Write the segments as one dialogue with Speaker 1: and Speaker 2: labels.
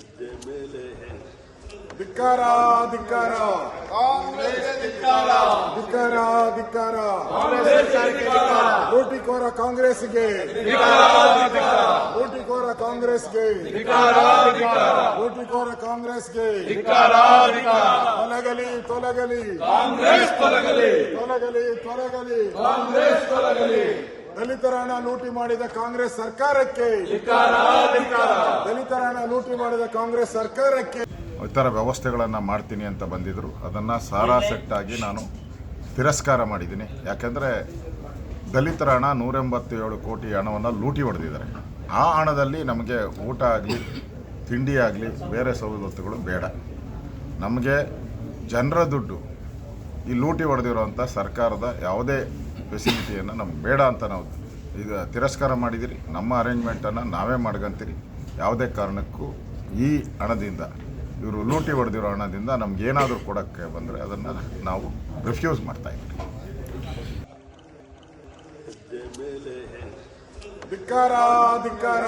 Speaker 1: ಧಿಕ್ಕಾರ ಧಿಕ್ಕಾರ ಧಿಕ್ಕಾರ ಧಿಕ್ಕಾರ ಲೂಟಿಕೋರ ಕಾಂಗ್ರೆಸ್ಗೆ ಲೂಟಿಕೋರ ಕಾಂಗ್ರೆಸ್ಗೆ ಲೂಟಿಕೋರ ಕಾಂಗ್ರೆಸ್ಗೆ ತೊಲಗಲಿ ತೊಲಗಲಿ ತೊಲಗಲಿ ತೊಲಗಲಿ ತೊಲಗಲಿ ದಲಿತರ ಹಣ ಲೂಟಿ ಮಾಡಿದ ಕಾಂಗ್ರೆಸ್ ಸರ್ಕಾರಕ್ಕೆ ದಲಿತರ ಹಣ ಲೂಟಿ ಮಾಡಿದ ಕಾಂಗ್ರೆಸ್ ಸರ್ಕಾರಕ್ಕೆ
Speaker 2: ಇತರ ವ್ಯವಸ್ಥೆಗಳನ್ನು ಮಾಡ್ತೀನಿ ಅಂತ ಬಂದಿದ್ದರು. ಅದನ್ನು ಸಾರಾಸೆಟ್ಟಾಗಿ ನಾನು ತಿರಸ್ಕಾರ ಮಾಡಿದ್ದೀನಿ. ಯಾಕೆಂದರೆ ದಲಿತರ ಹಣ 187 ಕೋಟಿ ಹಣವನ್ನು ಲೂಟಿ ಹೊಡೆದಿದ್ದಾರೆ. ಆ ಹಣದಲ್ಲಿ ನಮಗೆ ಊಟ ಆಗಲಿ ತಿಂಡಿ ಆಗಲಿ ಬೇರೆ ಸವಲತ್ತುಗಳು ಬೇಡ. ನಮಗೆ ಜನರ ದುಡ್ಡು ಈ ಲೂಟಿ ಹೊಡೆದಿರೋಂಥ ಸರ್ಕಾರದ ಯಾವುದೇ ಫೆಸಿಲಿಟಿಯನ್ನು ನಮ್ಗೆ ಬೇಡ ಅಂತ ನಾವು ಇದು ತಿರಸ್ಕಾರ ಮಾಡಿದಿರಿ. ನಮ್ಮ ಅರೇಂಜ್ಮೆಂಟನ್ನು ನಾವೇ ಮಾಡ್ಕೊಂತೀರಿ. ಯಾವುದೇ ಕಾರಣಕ್ಕೂ ಈ ಹಣದಿಂದ ಇವರು ಲೂಟಿ ಹೊಡೆದಿರೋ ಹಣದಿಂದ ನಮಗೇನಾದರೂ ಕೊಡೋಕ್ಕೆ ಬಂದರೆ ಅದನ್ನು ನಾವು ರಿಫ್ಯೂಸ್ ಮಾಡ್ತಾಯಿದ್ದೀವಿ.
Speaker 1: ಧಿಕ್ಕಾರ ಧಿಕ್ಕಾರ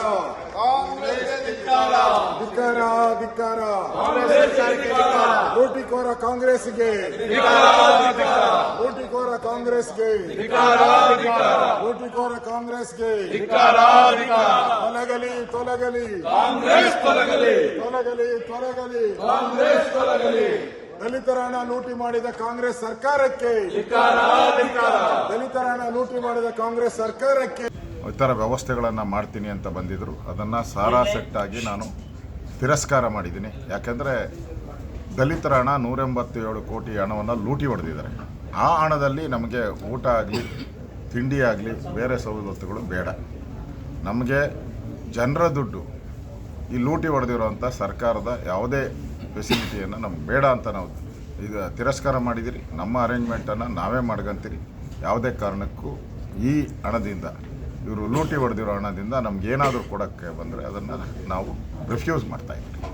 Speaker 1: ಧಿಕ್ಕಾರ ಧಿಕ್ಕಾರ ಲೂಟಿಕೋರ ಕಾಂಗ್ರೆಸ್ಗೆ ಲೂಟಿಕೋರ ಕಾಂಗ್ರೆಸ್ಗೆ ಲೂಟಿಕೋರ ಕಾಂಗ್ರೆಸ್ಗೆ ತೊಲಗಲಿ ತೊಲಗಲಿ ತೊಲಗಲಿ ತೊಲಗಲಿ ದಲಿತರ ಹಣ ಲೂಟಿ ಮಾಡಿದ ಕಾಂಗ್ರೆಸ್ ಸರ್ಕಾರಕ್ಕೆ ದಲಿತರ ಹಣ ಲೂಟಿ ಮಾಡಿದ ಕಾಂಗ್ರೆಸ್ ಸರ್ಕಾರಕ್ಕೆ
Speaker 2: ಇತರ ವ್ಯವಸ್ಥೆಗಳನ್ನು ಮಾಡ್ತೀನಿ ಅಂತ ಬಂದಿದ್ದರು. ಅದನ್ನು ಸಾರಾಸೆಟ್ಟಾಗಿ ನಾನು ತಿರಸ್ಕಾರ ಮಾಡಿದ್ದೀನಿ. ಯಾಕೆಂದರೆ ದಲಿತರ ಹಣ 187 ಕೋಟಿ ಹಣವನ್ನು ಲೂಟಿ ಹೊಡೆದಿದ್ದಾರೆ. ಆ ಹಣದಲ್ಲಿ ನಮಗೆ ಊಟ ಆಗಲಿ ತಿಂಡಿ ಆಗಲಿ ಬೇರೆ ಸವಲತ್ತುಗಳು ಬೇಡ. ನಮಗೆ ಜನರ ದುಡ್ಡು ಈ ಲೂಟಿ ಹೊಡೆದಿರೋಂಥ ಸರ್ಕಾರದ ಯಾವುದೇ ಫೆಸಿಲಿಟಿಯನ್ನು ನಮ್ಗೆ ಬೇಡ ಅಂತ ನಾವು ಇದು ತಿರಸ್ಕಾರ ಮಾಡಿದಿರಿ. ನಮ್ಮ ಅರೇಂಜ್ಮೆಂಟನ್ನು ನಾವೇ ಮಾಡ್ಕೊಂತೀರಿ. ಯಾವುದೇ ಕಾರಣಕ್ಕೂ ಈ ಹಣದಿಂದ ಇವರು ಲೂಟಿ ಹೊಡೆದಿರೋ ಹಣದಿಂದ ನಮಗೇನಾದರೂ ಕೊಡೋಕ್ಕೆ ಬಂದರೆ ಅದನ್ನು ನಾವು ರಿಫ್ಯೂಸ್ ಮಾಡ್ತಾಯಿದ್ದೀವಿ.